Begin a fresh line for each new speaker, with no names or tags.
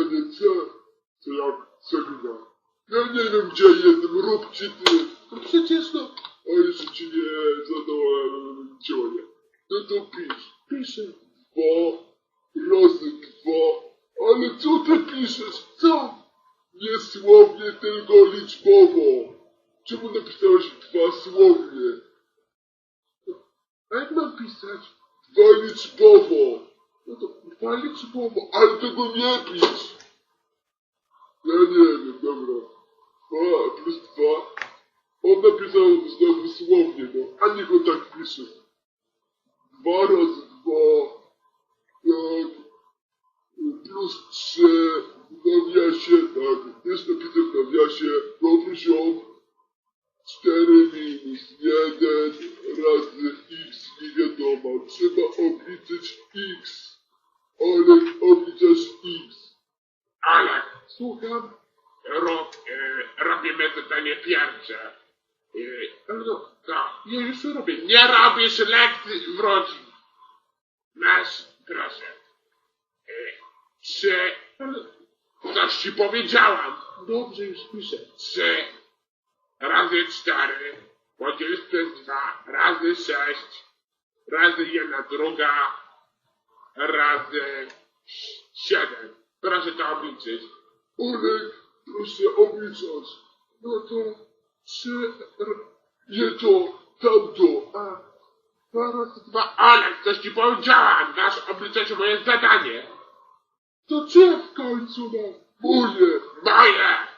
spokojnie, co jak Sabina? Ja nie wiem, gdzie jestem, rób ci ty. No przecież no, a jeszcze ci nie zadałem działania. No to pisz. Piszę 2 razy 2. Ale co ty piszesz? Co? Nie słownie, tylko liczbowo. Czemu napisałeś 2 słownie? A jak mam pisać? 2 liczbowo. No to 2 liczbowo, ale tego nie pisz. Ja nie wiem, dobra. 2 plus 2. On napisał znowu słownie, no. A niech on tak pisze. 2 razy 2. Tak. Plus 3. W nawiasie, tak. Jest napisane w nawiasie. Dobry ziom. 4 minus 1 razy x nie wiadomo. Trzeba obliczyć x. Ale obliczasz x.
Ale
Słucham?
robimy zadanie pierwsze.
No,
Ja już robię. Nie robisz lekcji w rodzin. Masz, proszę. 3. Coś ci powiedziałam.
dobrze, już piszę.
3 razy 4 podzielić przez 2 razy 6 razy 1 druga razy 7. Proszę to obliczyć.
Olek, proszę obliczać. No to 3, nie to, tamto, a 2 razy 2.
Olek, coś ci powiedziałam. Masz obliczać moje zadanie.
To czy w końcu na moje?
Moje!